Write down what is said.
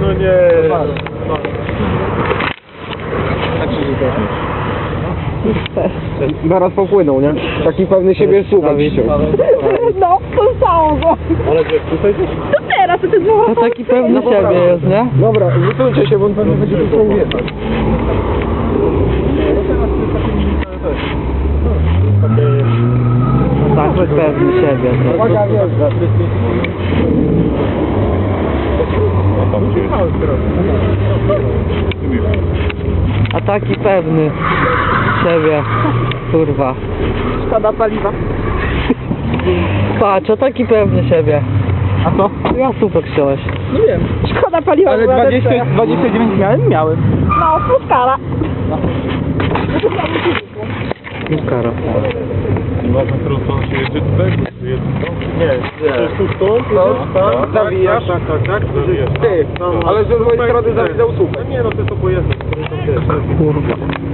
no nie. Zaraz popłynął, nie? Taki pewny siebie słupek dzisiaj. No, poznało go. Ale gdzie, tutaj też? To teraz, to jest mowa. No taki pewny siebie jest, nie? Dobra, wytulcie się, bo on pewnie będzie tu wjechać. Taki pewny siebie. Uwaga, wjeżdża. A taki pewny siebie. Kurwa. Szkoda paliwa. Patrz, a taki pewny siebie. A co? Ja super chciałeś. Nie wiem. Szkoda paliwa. Ale była 29 miałem? Miałem. No, fuskara. Kara. Ważne, którą stronę się jedzie tutaj? Nie, tu stąd, tam, Zawijasz? tak. Ty, ale z drugiej strony zawidał słupek. Nie no, ty to pojedziesz, który tam wiesz. Kurwa.